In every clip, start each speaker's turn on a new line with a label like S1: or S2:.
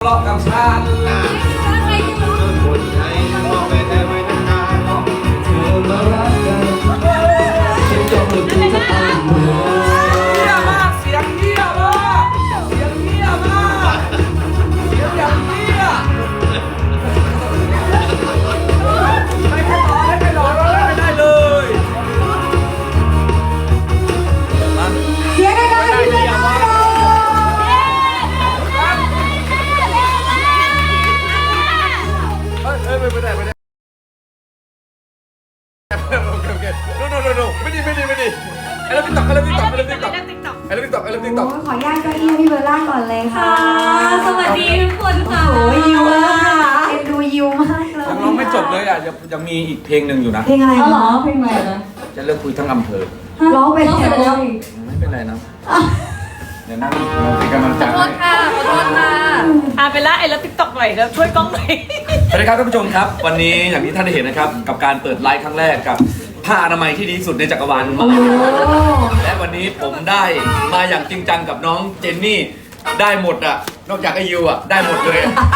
S1: ทะเลาะกับฉันคนใจบอกไปแต่ไม่นานเธอมารักกันฉันยอมให้คุณจะเอาเมื่อเยี่ยมากเสียงเยี่ยมากเสียงเยี่ยมากเสียงอย่างเยี่ยไม่แค่ต่อได้ไม่ต่อเราได้เลย
S2: เสียงได้เลยพี่เลย
S1: ไม่ได้โอเคไม่ดีไอ้เรื่องติ๊กต็อกขออนุญาตเก้าอี้พี่เบลล่าก่อนเลยค่ะ
S2: สวัสดีทุกคนค่ะ
S3: โอ้ยยิวมาก
S2: เอ็นดูยิวมากเลย
S1: ยังร้องไม่จบเลยอ่ะยังมีอีกเพลงหนึ่งอยู่นะ
S2: เพลงอะไร
S3: เหรอ
S2: คะ
S3: เพลงอะไรนะ
S1: จะเลิกคุยทั้งอำเภอ
S2: ร้องไปแล้ว
S1: ไม่เป็นไรนะเดี๋ยวนั่งเป็นกำลังใจ
S3: ขอโทษค่ะไปละไอ้แล้วติ๊กต็อกหน่อยแล้วช่วยกล้องหน่อย
S1: สวัสดีครับท่านผู้ชมครับ วันนี้อย่างที่ท่านได้เห็นนะครับกับการเปิดไลฟ์ครั้งแรกกับผ้าอนามัยที่ดีที่สุดในจักรวาลมาและวันนี้ผมได้มาอย่างจริงจังกับน้องเจนนี่ได้หมดอ่ะนอกจากไอยูอ่ะได้หมดเลย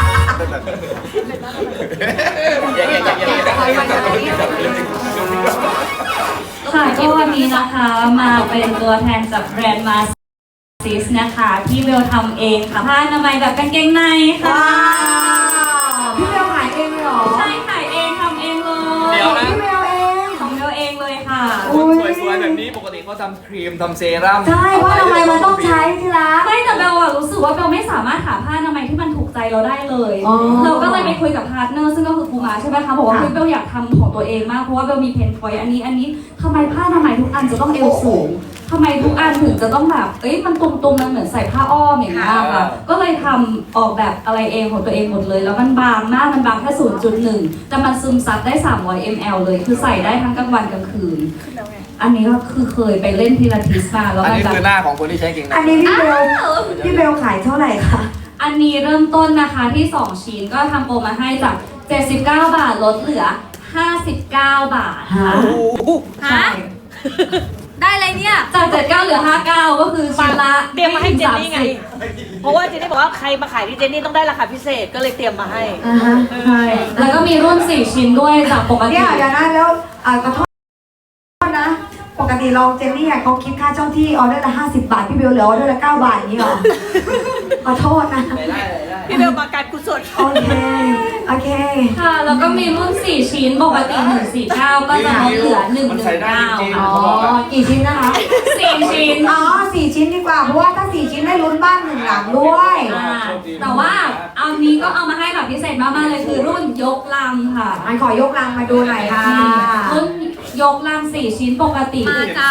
S3: ค่ะก็วันนี้นะคะมาเป็นตัวแทนจากแบรนด์มาซิสนะคะที่เบลทำเองค่ะผ้าอนามัยแบบกางเกงในค่ะ
S2: พี่เบลขายเองเลยเหรอ
S3: ใช่ขายเองทำเองเลย
S1: เดี๋ยวนะ
S2: พี่เบลเอง
S3: ของเบลเองเลยค่ะ
S1: คนสวยๆแบบนี้ปกติเขาทำครีมทำเซรั่ม
S2: ใช่ว่าทำไมมันต้องใช้ที่รัก
S3: ไม่แต่เบลอะรู้สึกว่าเบลไม่สามารถหาผ้าอนามัยที่มันถูกใจเราได้เลย
S2: อ๋อ
S3: เราก็เลยไปคุยกับพาร์ทเนอร์ซึ่งก็คือครูมาใช่ไหมคะบอกว่า
S2: ค่ะ
S3: เฮ้ยเบลอยากทำของตัวเองมากเพราะว่าเบลมีเพนพอยต์อันนี้ทำไมผ้าอนามัยทุกอันจะต้องเอวสูงทำไมทุกอันถึงจะต้องแบบเอ้ยมันตุ่มๆมันเหมือนใส่ผ้าอ้อมอย่างเงี้ยค่ะก็เลยทำออกแบบอะไรเองของตัวเองหมดเลย แล้วมันบางมากมันบางแค่ 0.1 แต่มันซึมซับได้ 300 ml เลยคือใส่ได้ทั้งกลางวันกลางคืน อันนี้ก็คือเคยไปเล่นพิลาทิสมาแล้ว
S1: อัน
S3: มัน
S1: นี้
S3: แบบ
S1: คือหน้าของคนที่ใช้เก่ง
S2: อันนี้พี่เบลขายเท่าไหร่คะ
S3: อันนี้เริ่มต้นนะคะที่ 2 ชิ้นก็ทำโปรมาให้จาก 79 บาทลดเหลือ 59 บาทค่ะใช่
S4: ได้อะไรเนี่ย
S3: จาก 79 เหลือ 59 ก็คือชิ้นละ
S4: เตรียมมาให้เจนนี่ไง เพราะว่าเจนนี่บอกว่าใครมาขายที่เจนนี่ต้องได้ราคาพิเศษก็เลยเตรียมมาให้
S3: ใช่แล้วก็มีรุ่น 4 ชิ้นด้วยจากปกติ
S2: เนี่ยเดี๋ยวนะแล้วขอโทษนะ ปกติเราเจนนี่เขาคิดค่าเจ้าที่ออเดอร์ละ50 บาทพี่เบลเหลือออเดอร์ละ9 บาทอย่างนี้เหรอ ขอโทษนะ
S4: พี่เบลมาการกุศล
S2: โอเค
S3: ค่ะ แล้วก็มีรุ่น 4 ชิ้นปกติ 149 ก็จะลดเหลือ 119
S2: อ๋
S3: ค่ะ
S2: อ กี่ชิ้นนะคะ
S3: 4 ชิ้น
S2: อ๋อ4 ชิ้นดีกว่า เพราะว่าถ้า4 ชิ้นได้ลุ้นบ้าน1 หลังด้วย
S3: แต่ว่าเอานี้ก็เอามาให้แบบพิเศษมากๆเลยคือรุ่นยกลังค่ะ
S2: อันขอยกลังมาดูหน่อยค่ะ
S3: รุ่นยกลัง 4 ชิ้นปกติ
S4: มาจ้า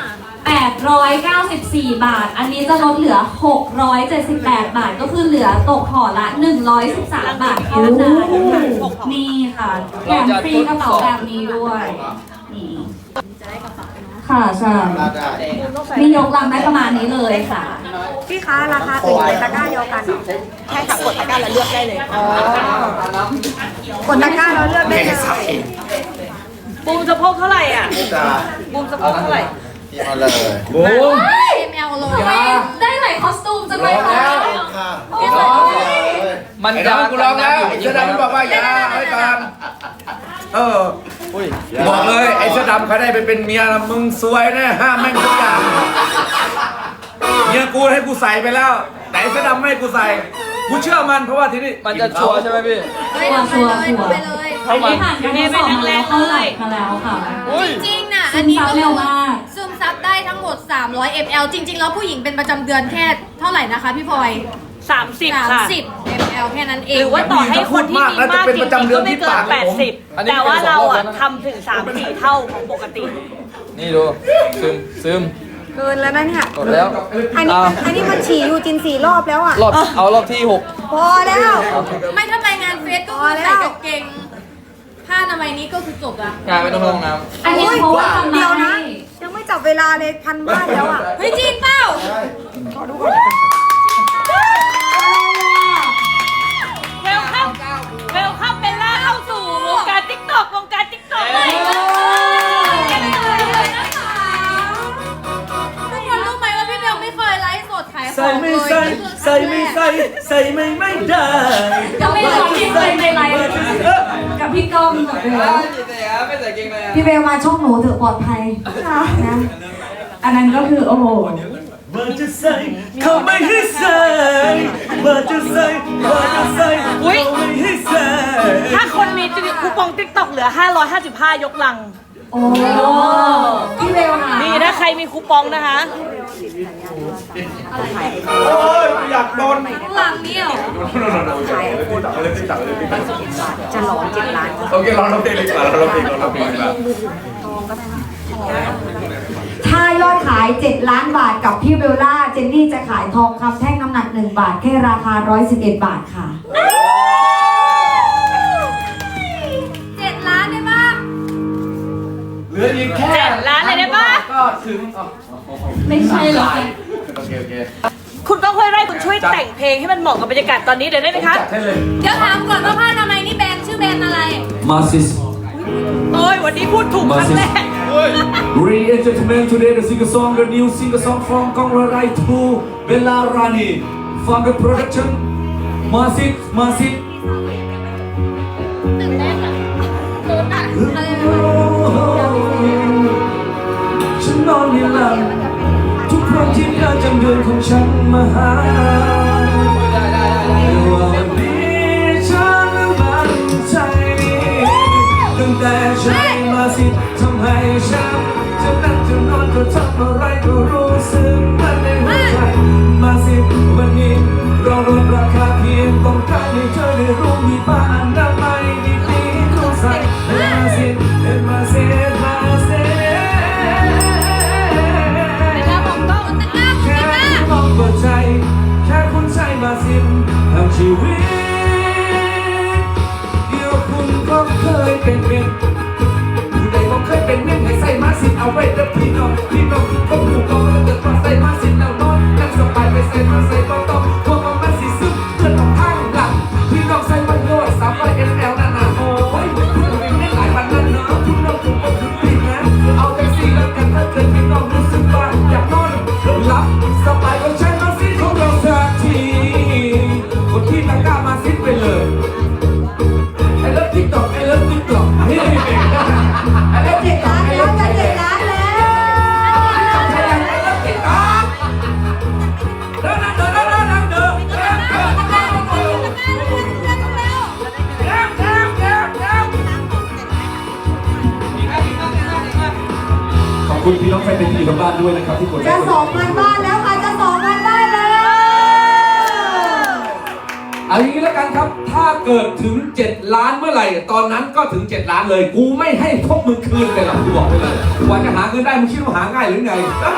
S3: 894 บาท อันนี้จะลดเหลือ 678 บาท ก็คือเหลือตกห่อละ 113 บาทเท่านั้นนี่ค่ะแถมฟรีกระเป๋าแบบนี้ด้วยนี่ค่ะใช่นี่ยกลังได้ประมาณนี้เลยค่ะ
S2: พี่คะราคาอื่นในตะกร้าเดียวกันเหรอ
S4: ใช่ค่ะกดตะกร้าแล้วเลือกได้เลย
S2: กดตะกร้าเราเลือกได้เลย
S4: บูมสะโพกเท่าไหร่อ่ะบูมสะโพกเท่าไหร่
S1: มาเลยบูม
S4: ml โล
S3: ทำไมได้หลายคอสตูมจังเลยคะ
S1: มันจะกูร้องแล้วไอ้เสื้อดำมันบอกว่าอย่าไว้ก่อนบอกเลยไอ้เสื้อดำเขาได้ไปเป็นเมียนะมึงซวยแน่ห้ามแม่งทุกอย่างเมียกูให้กูใส่ไปแล้ว แต่ไอ้เสื้อดำไม่ให้กูใส่กูเชื่อมันเพราะว่าที่นี่มันจะชัวร์ใช่ไหมพี่
S3: ชัวร์
S4: ไปเลย
S3: อันนี้ผ่านการทดสอบมาแล้วเข้าหลักมาแล้วค่ะ
S4: จริงๆน่ะ
S3: ซึ
S4: อัน
S3: ม
S4: นี้
S3: ซับ
S4: ก็
S3: เร็วมาก
S4: ซึมซับได้ทั้งหมด 300 ml จริง ๆ แล้วผู้หญิงเป็นประจำเดือนแค่เท่าไหร่นะคะพี่พลอย
S5: 30 ค่ะ
S4: 30 ml แค่นั้นเอง
S5: หรือว่าต่อให้คนที่มีมากจริงๆก็ไม่เกิน80 แต่ว่าเราอะทำถึง 3-4 เท่าของปกติ
S1: นี่ดูซึม
S2: เกินแล้วนะเนี่ย
S1: กดแล้ว
S2: อันนี้มันฉี่อยู่จิน4 รอบแล้วอ่ะ
S1: รอบที่
S2: พอแล้ว
S4: ไม่ถ้าไปงานเฟสก็คือใส่กางเกงผ้าอนามัยนี้ก็คือจบละ
S1: งานไม่ต้องลงน้
S3: อันนี้เพราะว่าทำ
S2: เดี๋
S3: มา
S2: ยวนะ
S3: ให้
S2: ยังไม่จับเวลาเลยพันบ้านแล้วอ่ะ
S4: เฮ้ยจริงเปล่า
S5: เวลคัมเบลล่าเข้าสู่วงการติ๊กต็อกเลย
S4: ทุกคนรู้ไหมว่าพี่เบลไม่เคยไลฟ์สดขายของ
S1: ใส่
S4: เลย
S1: ไม่ใส่ใส่ไม่ใส่ใส่ไม่ได้
S2: กับเบล
S1: ไม่ใส่เกงใน
S2: พี่เบลมาช่องหนูเถอะปลอดภัยนะ
S3: อันนั้นก็คือโอ้โห
S5: ว่าจะใส่เขาไม่ให้ใส่ว่าจะใส่ว่าจะใส่
S4: อุ๊ย
S5: เขาไม่ให้ใส่
S4: ถ้าคนมีคูปองติ๊กต็อกเหลือ 555 ยกลัง
S2: โอ้พี่เบลค่ะ
S4: นี่ถ้าใครมีคูปองนะคะ
S5: โอ้ยอยากโดน
S3: หลังเนี่ย
S2: จะหลอน7 ล้าน
S1: โอเคเราเพลงเลยดีกว่าเราเพลงดีกว่า
S2: ถ้ายอดขาย 7 ล้านบาทกับพี่เบลล่าเจนนี่จะขายทองคำแท่งน้ำหนัก1 บาทแค่ราคา111 บาทค่ะ
S3: 7 ล้านได้ปะ
S1: เหลืออีกแค่
S4: 7 ล้านเลยได้ปะ
S1: ก็ถึง
S3: ไม่ใช่หรอก
S1: โอเค
S4: คุณก้องห้วยไร่คุณช่วยแต่งเพลงให้มันเหมาะกับบรรยากาศตอนนี้เดี๋ยวได้ไหมคะ
S1: จัดให้เลย
S3: เดี๋ยวถามก่อนว่าผ้าทำไมยนี่แบรนด์ชื่อแบรนด์อะไร
S1: มาซิส
S4: โอ้ยวันนี้พูดถูกครั้งแรก
S1: Re-entertainment today the singer song the new singer song from Kongrai to Bella Rani from the production Masit
S3: ตื่นเต้นอ่ะโดนอ่ะอะไร
S1: ฉันนอนไม่หลับทุกครั้งที่เธอจำเดือนของฉันมาหาแต่ว่าวันนี้ฉันมั่นใจตั้งแต่ฉันมาสิทำให้ฉันจะนั่งจะนอนจะทำอะไรก็รู้สึกมันในหัวใจมาสิวันนี้เราลดราคาเพียงต้องการให้เธอได้รู้มีผ้าอนามัยดีๆต้องใส่มาสิมาสิมาสิ
S3: เวลาผมก็อุตส่าห์
S1: แค่คุณลองเปิดใจแค่คุณใช้มาสิบทำชีวิตเดียวคุณก็เคยเป็นผู้ใดก็เคยเป็นให้ใส่มาสิบเอาไว้แล้วพี่น้องทุกคนถูกต้องแล้วเกิดมาใส่มาสิบแล้วนอนนั่งสบายไปใส่มาใส่ก็ต้องพวกมันสิซึมเพื่อนของข้างหลังพี่น้องใส่มันโยด300 ml นั่นน่ะโอ้ยคุณเป็นไม่หลายวันนั่นเนาะคุณน้องถูกต้องถูกปีนะเอาแต่สิแล้วกันถ้าเกิดพี่น้องรู้สึกว่าอยากนอนหลับสบายก็ใช้มาสิของเราสักทีคนที่ตะกร้ามาสิไปเลยไอ้เลิฟติ๊กต็อกไอ้เลิฟติ๊กต็อกนี่ไอ้เลิฟติ๊กต็อกไอ้เลิฟติ๊กต็อก
S2: 7 ล้านแล้ว
S1: ไอ้เลิฟติ๊กต็อกเดินขอบคุณพี่น้องแฟนเพลงที่อยู่ทางบ้านด้วยนะครับที่กดไล
S2: จะ
S1: ค์กด
S2: 2,000 บ้านแล้วค่ะ จะ 2,000 บ้านแล้ว
S1: เอาอย่างนี้แล้วกันครับ ถ้าเกิดถึง 7 ล้านเมื่อไหร่ ตอนนั้นก็ถึง 7 ล้านเลย กูไม่ให้พวกมึงคืนเลยหรอกกูบอกไปเลยกว่าจะหาเงินได้มึงคิดว่าหาง่ายหรือไง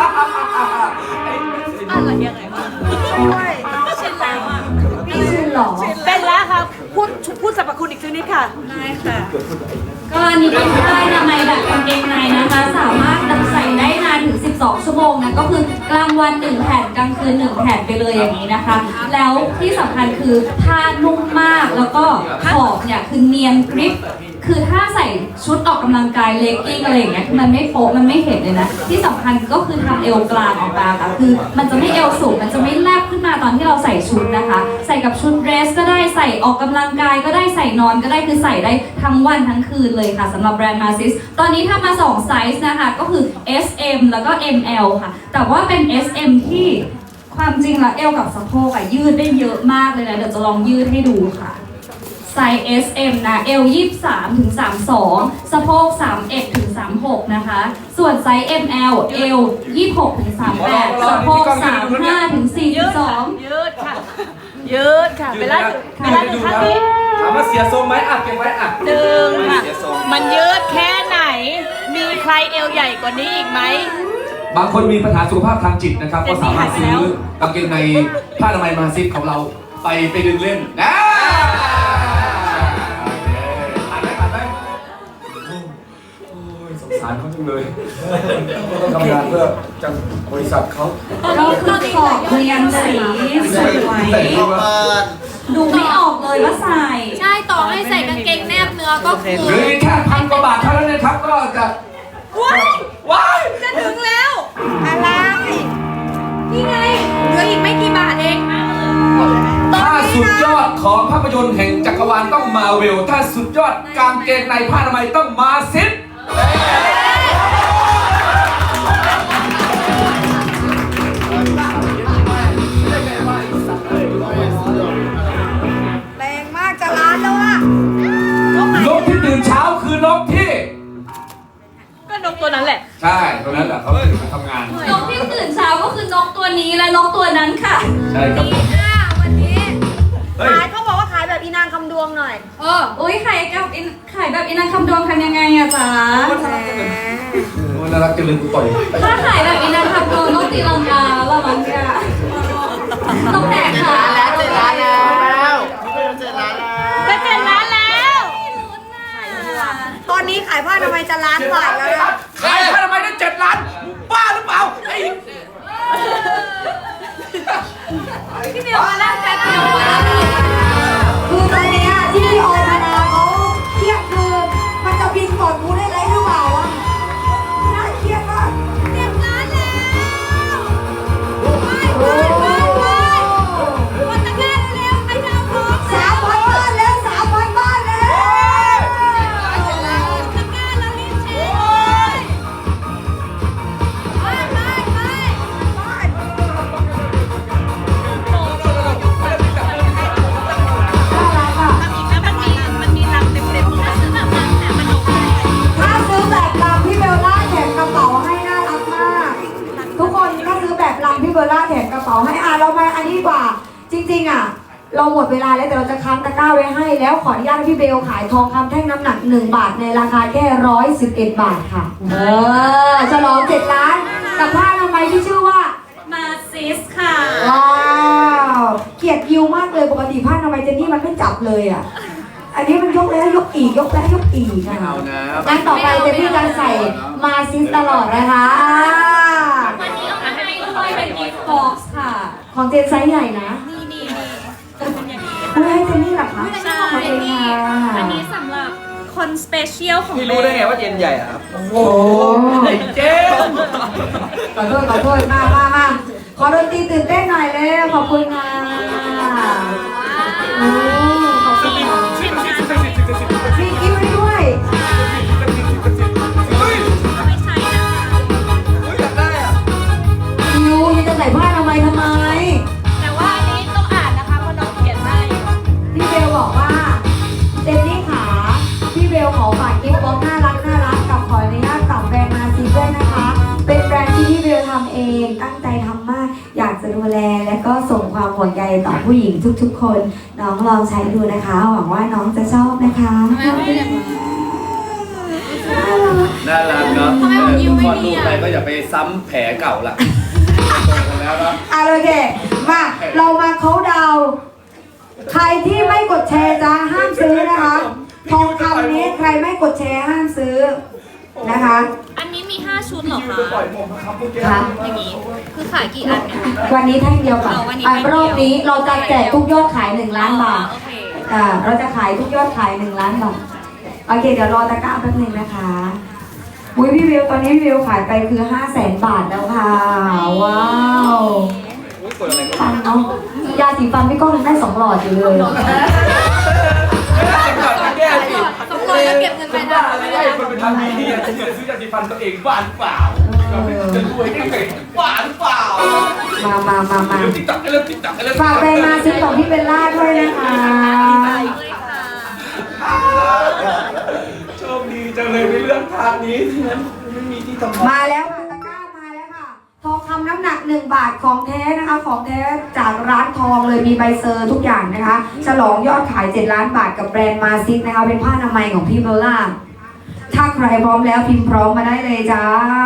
S4: อะไรยังไงวะเช่นแล้วอ่ะ
S2: ไม่ใช่หรอ
S4: เป็นแล้วครับพูดสรรพคุณอีกสักนิดค่ะ
S3: ได้ค่ะ ก็อันนี้เป็นผ้าอนามัยแบบกางเกงในนะคะ สามารถใส่ได้นานถึง 12 ชั่วโมงนะก็คือกลางวัน 1 แผ่นกลางคืน 1 แผ่นไปเลยอย่างนี้นะคะ แล้วที่สำคัญคือผ้านุ่มมากแล้วก็ขอบเนี่ยคือเนียนกริบ คือถ้าใส่ชุดออกกำลังกายเลกกิ้งอะไรอย่างเงี้ยมันไม่โป๊ะมันไม่เห็นเลยนะ ที่สำคัญก็คือทำเอวกลางออกมาค่ะคือมันจะไม่เอวสูงมันจะไม่แลบขึ้นมาตอนที่เราใส่ชุดนะคะ ใส่กับชุดเดรสก็ได้ใส่ออกกำลังกายก็ได้ใส่นอนก็ได้คือใส่ได้ทั้งวันทั้งคืนเลยค่ะสำหรับแบรนด์ Masis ตอนนี้ทำมา2ไซส์นะคะก็คือ SM แล้วก็ ML ค่ะแต่ว่าเป็น SM ที่ความจริงแล้วเอวกับสะโพกอะยืดได้เยอะมากเลยนะเดี๋ยวจะลองยืดให้ดูค่ะไซส์ SM นะเอว23ถึง32สะโพก31ถึง36นะคะส่วนไซส์ ML เอว26ถึง38สะโพก35ถึง
S4: ยืดค่ะ
S3: 42
S4: ยืดค่ะ ยืดค่ะเวลาถึงท่านี้
S1: ถามว่าเสียทรงไหมอ่ะเก็บไว้อ่ะ
S4: ดึงค่ะ มันยืดแค่ไหน มีใครเอวใหญ่กว่านี้อีกไหม
S1: บางคนมีปัญหาสุขภาพทางจิตนะครับก็สามารถซื้อกางเกงในผ้าอนามัยมาซิปของเราไปดึงเล่นนะผ่านไหมโอ้ยสงสารเขาจังเลยต้องทำงานเพื่อจังบริษัทเขา
S3: ก็คือขอบเรียนสีสวยดูไม่ออกเลยว่าใส่
S6: ใช่ต่อให้ใส่กางเกงแนบเนื้อก็คือ
S1: หรือแค่1,000 กว่าบาทเท่านั้นนะครับก็จะว้าย
S6: จะถึงแล้ว อะไร นี่ไงเหลืออีกไม่กี่บาทเอง
S3: เ
S1: ถ้าสุดยอดของภาพยนตร์แห่งจักรวาลต้องมาเวลถ้าสุดยอดกางเกงในผ้าอนามัยต้องมาซิป
S2: แรงมากจะล้านแล้วอะ
S1: นกที่ตื่นเช้าคือนกที่
S4: ก็นกตัวนั้นแหละ
S1: ใช่ตรงนั้นแหละเขาตื่นมาทำงาน
S3: นกที่ตื่นเช้าก็คือนกตัวนี้และนกตัวนั้นค่ะ
S1: ใช่ครับผม
S6: วันนี้
S1: เฮ้ย
S2: ขายเขาบอกว่าขายแบบอีนางคำดวงหน่อย
S3: อุ้ยขายแบบอินังคำดวงทำยังไงอะจ๊ะ
S1: โอ้ยน่ารักจังเลยกูต่อย
S3: ถ้าขายแบบอินังคำดวงต้องตีลังกาละมั้งเนี่ยต้องแตกขา
S4: จะ7 ล้านแล้ว
S2: ตอนนี้ขายผ้าทำไมจะล้านกว่าแล้วนะ
S1: ขายผ้าทำไมได้7 ล้านบ้าหรือเปล่าไอ้
S3: พี่เมียวมาแล้วแป๊บเดียวมา
S2: คือตอนเนี้ยที่ออธนาเขาเครียดคือมันจะบินก่อนกูได้ไรหรือเปล่าวะน่าเครียดมาก
S6: 7 ล้านแล้วไปวันตะแกรงเร็วๆใครจะเอาของ
S2: 3,000 บ้านแล้ว3,000 บ้านแล้ว
S6: ตะแกรงแล้วรีบเช็คเลย
S2: ถ้าซื้อแบบลำพี่เบลล่าแถมกระเป๋าให้น่ารักมาก ทุกคนถ้าซื้อแบบลำพี่เบลล่าแถมกระเป๋าให้เรามาอันนี้ดีกว่า จริงๆเราหมดเวลาแล้วแต่เราจะค้างตะกร้าไว้ให้แล้วขออนุญาตให้พี่เบลขายทองคำแท่งน้ำหนัก1 บาทในราคาแค่111 บาทค่ะฉลอง7 ล้านกับผ้าอนามัยที่ชื่อว่า
S3: มาซิสค่ะ
S2: ว้าวเกลียดยิวมากเลยปกติผ้าอนามัยเจนนี่มันไม่จับเลยอ่ะ อันนี้มันยกแล้วยกอีกยกแล้วยกอีกนะ
S1: เอานะ
S2: งั้นต่อไปเจนนี่จะใส่มาซิสตลอดนะคะ
S3: วันนี้เอามาให้ด้วยเป็นกิฟต์บ็อกซ์ค่ะ
S2: ของเจนไซส์ใหญ่นะ
S6: นี่
S2: คุณให้เจนนี่เหรอคะ
S6: ใช่
S2: ขอบคุณค่ะ
S6: อันนี้สำหรับคนสเปเชียลของ
S5: พี่รู้ได้ไงว่าเจนใหญ่อะครับ
S2: โอ้โห
S5: ไอ้เจน
S2: ขอโทษมาขอดนตรีตื่นเต้นหน่อยเร็วขอบคุณค่ะโอ้ขอบคุณค่ะมีกิ๊บให้ด้วย
S1: เฮ้ย
S6: ไม่ใช่นะคะ
S1: อยากได้อะ
S2: ยูจะใส่ผ้าทำไม
S6: แต่ว่าอันนี้ต้องอ่านนะคะเพราะน้องเขียนได้
S2: พี่เบลบอกว่าเจนนี่ขาพี่เบลขอฝากกิฟต์บ็อกซ์น่ารักกับขออนุญาตฝากแบรนด์มาซิด้วยนะคะ เป็นแบรนด์ที่พี่เบลทำเองตั้งใจทำมาก อยากจะดูแลและก็ส่งความห่วงใยต่อผู้หญิงทุกๆ คน น้องลองใช้ดูนะคะ หวังว่าน้องจะชอบนะคะ
S1: น่ารักเนาะ
S6: ทำไมผมยิ้มไม่ดี
S1: ลูก
S6: อะ
S1: ไปก็อย่าไปซ้ำแผลเก่าละตรงแล้วเนาะ
S2: โอเคมาเรามาเขาน์ดาวน์ใครที่ไม่กดแชร์จะห้ามซื้อนะคะทองคำนี้ใครไม่กดแชร์ห้ามซื้อนะคะ
S6: อันนี้มี 5 ชุดเหรอคะ
S2: ค่ะ
S6: อย่างนี้ คือขายกี่อันเนี่ย
S2: วันนี้แท่งเดียวค่ะ
S6: วันนี้แท่งเดียว
S2: รอบนี้เราจะแจกทุกยอดขาย1 ล้านบาท
S6: โอเค
S2: เราจะขายทุกยอดขาย1 ล้านบาทโอเคเดี๋ยวรอตะกร้าแป๊บนึงนะคะอุ้ยพี่วิวตอนนี้พี่วิวขายไปคือ500,000 บาทแล้วค่ะว้าวฟันเนาะยาสีฟันพี่ก้องยังได้2 หลอดอยู่เลย
S1: แก้สิ
S6: สำรวจแล้วเก็บเงินไปได้
S1: ไม่ได้คนเป็นทำดีจะซื้อยาสีฟันตัวเองบ้าหรือเปล่าจะรวยได้ไงบ้าหรือเปล่า
S2: มา
S1: เริ่มติ๊กตักเริ่มติ๊กตักเริ่ม
S2: ฝากไปมาซื้อของพี่เบลล่าด้วยนะคะ
S1: โชคดีจังเลยในเรื่องทางนี้ที่นั้นไม่มีที่ทำ
S2: มาแล้วค่ะตะกร้ามาแล้วค่ะทองคำน้ำหนัก1 บาทของแท้นะคะของแท้จากร้านทองเลยมีใบเซอร์ทุกอย่างนะคะฉลองยอดขาย7 ล้านบาทกับแบรนด์มาซิกนะคะเป็นผ้าอนามัยของพี่เบลล่าถ้าใครพร้อมแล้วพิมพ์พร้อมมาได้เลยจ้า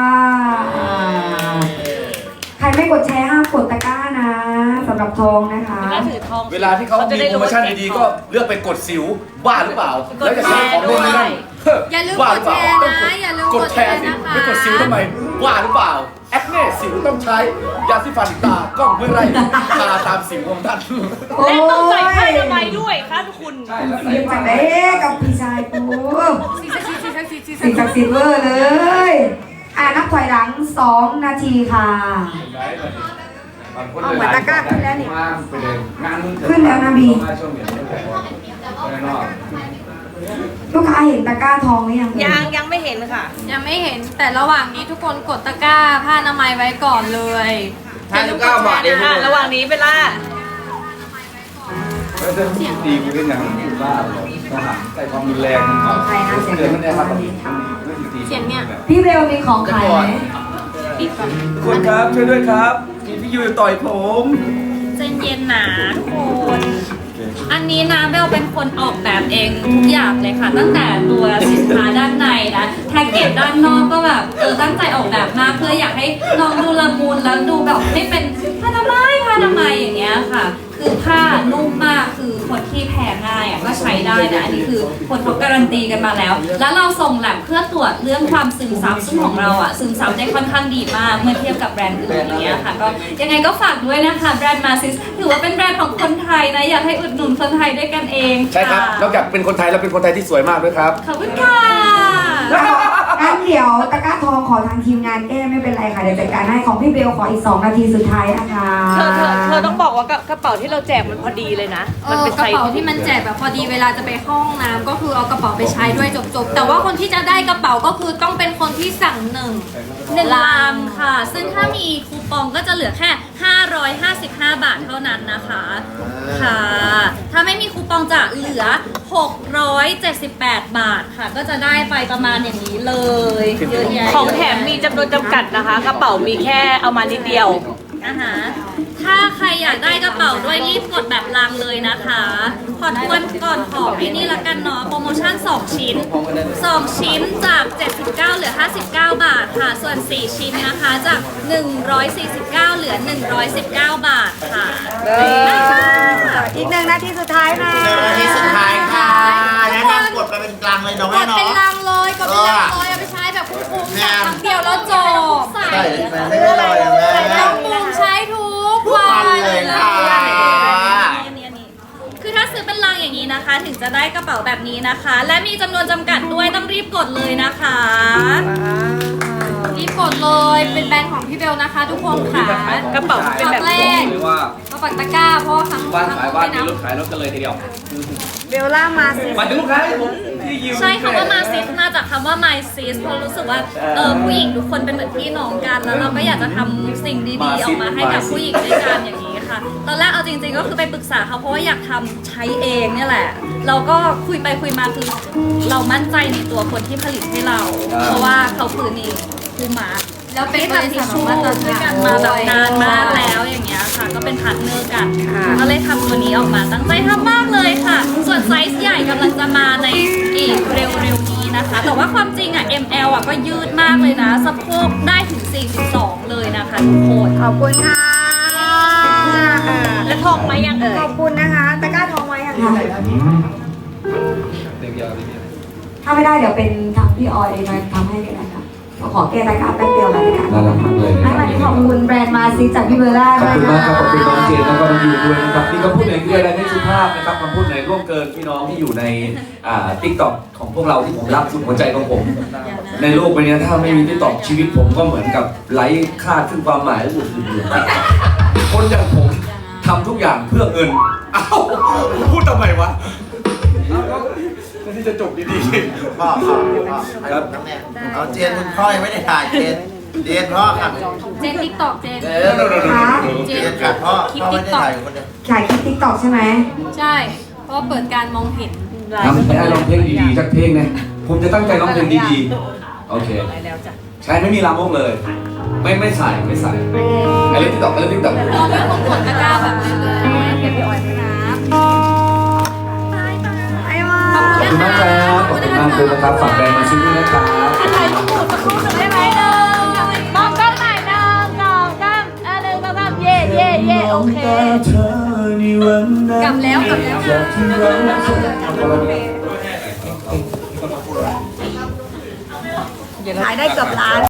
S2: ใครไม่กดแชร์ห้ามกดตะกร้านะสำหรับทองนะคะ
S4: ก็ถือทอง
S1: เวลาที่เขามีโปรโมชั่นดีๆก็เลือกไปกดสิวบ้าหรือเปล่า แล้วจะใช้ของเล่นไม่ได้
S6: อย่าลืม
S1: บ้าก ห
S6: ด
S1: รือเป
S6: แช
S1: ล่า
S6: ร์
S1: ต้อง
S6: นะ อย่าลืม
S1: ก
S6: ก
S1: ด
S6: ด
S1: แช
S6: แช
S1: ร์
S6: ร์
S1: สิ
S6: นะคะ
S1: ไม่กดสิวทำไมบ้าหรือเปล่าแอคเน่สิวต้องใช้ยาสีฟันตากล้องเพื่อไล่ทาตามสิวของท่าน
S4: และต้องใส่ผ้าอนามัยด้วยค่ะทุกคน
S1: ใช่แล้ว
S2: เรียกจากไหนกับพี่ชายกูสิ่งศักดิ์สิทธิ์เวอร์เลยนับถอยหลัง2 นาทีค่ะเอาเหมือนตะกร้าขึ้นแล้วนี่
S1: ไปเลยงานมึง
S2: ขึ้นแล้วนะบี
S1: ช่วงเย็นไม่แต่ว่าแน่นอน
S2: ลูกค้าเห็นตะกร้าทองหรือยัง
S4: ยังไม่เห็นค่ะ
S6: ยังไม่เห็นแต่ระหว่างนี้ทุกคนกดตะกร้าผ้าอนามัยไว้ก่อนเลย
S5: 59 บาทเอง
S4: ระหว่างนี้เบลล่า
S1: แล้วจะตีกูได้ยังกูบ้าหรอทหารใส่ความรุนแรงมันเอาเดือนมันได้ครับ
S6: เสียงเนี่ย
S2: พี่เบลมีของขายไหม
S1: คุณครับช่วยด้วยครับมีพี่ยูต่อยผม
S3: ใจเย็นหนาทุกคน อันนี้นะเบลเป็นคนออกแบบเองทุกอย่างเลยค่ะ ตั้งแต่ตัวสินค้าด้านในนะแพ็กเกจด้านนอกก็แบบตั้งใจออกแบบมากเพื่ออยากให้น้องดูละมุนแล้วดูแบบไม่เป็นผ้าทำไมอย่างเงี้ยค่ะ คือผ้านุ่มมากคือคนที่แพ้ง่ายก็ใช้ได้นะอันนี้คือคนเขาการันตีกันมาแล้ว แล้วเราส่งแลบเพื่อตรวจเรื่องความซึมซับซึ่งของเราซึมซับได้ค่อนข้างดีมากเมื่อเทียบกับแบรนด์อื่นอย่างเงี้ยค่ะก็ยังไงก็ฝากด้วยนะคะแบรนด์มาซิสถือว่าเป็นแบรนด์ของคนไทยนะอยากให้อุดหนุนคนไทยด้วยกันเอง
S5: ใช่ครับ นอกจากเป็นคนไทยแล้วเป็นคนไทยที่สวยมากด้วยครับ
S3: ขอบคุณค่ะ
S2: งั้นเดี๋ยวตะกร้าทองขอทางทีมงานแก้ไม่เป็นไรค่ะเดี๋ยวจัดการให้ของพี่เบลขออีก2 นาทีสุดท้ายนะคะ
S4: เธอต้องบอกว่ากระเป๋าที่เราแจกมันพอดีเลยนะ มันเป็น
S6: กระเป๋าที่มันแจกแบบพอดีเวลาจะไปเข้าห้องน้ำก็คือเอากระเป๋าไปใช้ด้วยจบๆแต่ว่าคนที่จะได้กระเป๋าก็คือต้องเป็นคนที่สั่งหนึ่ง
S3: 1 ลังค่ะ ซึ่งถ้ามีคูปองก็จะเหลือแค่ 555 บาทเท่านั้นนะคะ ค่ะ ถ้าไม่มีคูปองจะเหลือ 678 บาทค่ะ ก็จะได้ไปประมาณอย่างนี้เลยเยอะแยะ
S4: ของแถมมีจำนวนจำกัดนะคะ กระเป๋ามีแค่เอามานิดเดียว
S3: ถ้าใครอยากได้กระเป๋าด้วยรีบกดแบบลังเลยนะคะขอทวนก่อนของไอ้นี่ละกันเนาะโปรโมชั่น 2 ชิ้น 2 ชิ้นจาก 79 เหลือ 59 บาทค่ะ ส่วน 4 ชิ้นนะคะจาก 149 เหลือ 119 บาทค่ะ
S2: อีก1 นาทีสุดท้ายนะ
S7: นาทีสุดท้ายค่ะแนะนำกดไปเป็นกลางเลยเนาะ
S6: ก
S7: แม่
S6: ดเป็น
S7: เนาะ
S6: ลังเลยกดเป็นลังเลยเอาไปใช้แบบคุ้มๆแบบครั้งเดียวแล้วจบ
S7: ใส่ไม่ได้ลอยอย่างแม่
S6: ต้องปรุงใช้ทุกวั
S7: วัน
S6: น
S7: เลยค่ะ
S3: คือถ้าซื้อเป็นลังอย่างนี้นะคะ ถึงจะได้กระเป๋าแบบนี้นะคะ และมีจำนวนจำกัดด้วยต้องรีบกดเลยนะคะ
S6: รีบกดเลยเป็นแบรนด์ของพี่เบลนะคะ ทุกคนค่ะ
S4: กระเป๋าเป็นแบบ
S6: แรก
S1: หรือว่า
S6: มาปักตะกร้าเพราะว่าครั้ง
S1: บ้านขายบ้านมี
S6: นะ
S1: รถขายรถกันเลยทีเดียว
S2: เบลล่ามาสิ
S1: มาถึงลูกค้าผมที่ยิว
S3: ใช่คำว่ามาซิสมาจากคำว่า my sis เพราะรู้สึกว่าผู้หญิงทุกคนเป็นเหมือนพี่น้องกัน แล้วเราก็อยากจะทำสิ่งดีๆออกมาให้กับผู้หญิงด้วยกันอย่างนี้ค่ะ ตอนแรกเอาจริงๆก็คือไปปรึกษาเขาเพราะว่าอยากทำใช้เองเนี่ยแหละ เราก็คุยไปคุยมาคือเรามั่นใจในตัวคนที่ผลิตให้เรา เพราะว่าเขาคือนี่คูมา
S6: แล้วเป็นบริษัท
S3: ชู
S6: มาตร
S3: ด้วย
S6: ฐา
S3: กัน นมาแบบนานมากแล้วอย่างเงี้ยค่ะ ก็เป็นพาร์ทเนอร์กันก็เลยทำตัวนี้ออกมาตั้งใจทำมากเลยค่ะ ส่วนไซส์ใหญ่กำลังจะมาในอีกเร็วๆนี้นะคะ แต่ว่าความจริงML ก็ยืดมากเลยนะสะโพกได้ถึง 42 เลยนะคะทุกคน
S2: ขอบคุณค่ะ
S4: แล้วทองไหมยังเอ่ย
S2: ขอบคุณนะคะตะกร้าทองไว้ค่ะถ้าไม่ได้เดี๋ยวเป็นทางพี่ออยมาทำให้ก็ได้ค่ะขอแก้ตะกร้าแป๊บเดียวแล้วกัน
S1: น่ารักมากเลย
S2: ให้วันนี้ขอบคุณแบรนด์มาซิจากพี่เบลล่า
S1: ขอบ
S2: ด้วย
S1: คุณ
S2: นะ
S1: มากครับขอบคุณน้องเจนแล้วก็น้องยูด้วยนะครับนี่ก็พูดในเรื่องอะไรไม่สุภาพนะครับคำพูดไหนร่วงเกินพี่น้องที่อยู่ในติ๊กต็อกของพวกเราที่ผมรักสุดหัวใจของผม ในโลกใบนี้ถ้าไม่มีติ๊กต็อกชีวิตผมก็เหมือนกับไร้ค่าซึ่งความหมายอื่นๆคนอย่างผมทำทุกอย่างเพื่อเงินเอ้าพูดทำไมวะที่จะจบดีๆ
S7: พ่อครับน้ำแม่เอาเจนคุณพ่อยังไม่ได้ถ่ายเจนพ่อครับ
S6: เจนติ๊กตอกเจน
S7: เจนครับพ่อไม่ได้ถ่ายคนเดียว
S2: ขายคลิปติ๊กต็อกใช่ไหม
S6: ใช่เพราะว่าเปิดการมองเห็น
S1: ทำให้ร้องเพลงดีๆสักเพลงนะผมจะตั้งใจร้องเพลงดีๆ โอเค ใช่ไม่มีลามกเลย ไม่ใส่ไอ้เรื่องติ๊กต็อก
S6: เราไม่ต้องกดตะกร้าแบบนี้เลยเก็บพี่ออยด้วยนะ
S2: ไอ้มา
S1: ขอบคุณมากครับขอบคุณมากเลยนะครับฝากแบรนด์มาซิด้วยนะครับ
S6: ถ่ายรูปหมู่สักครู่หนึ่งได้ไหมมองกล้องหน่อย1 2 31 2 3เย่โอเคกลับแล้ว
S2: ขายได้เกือบล้าน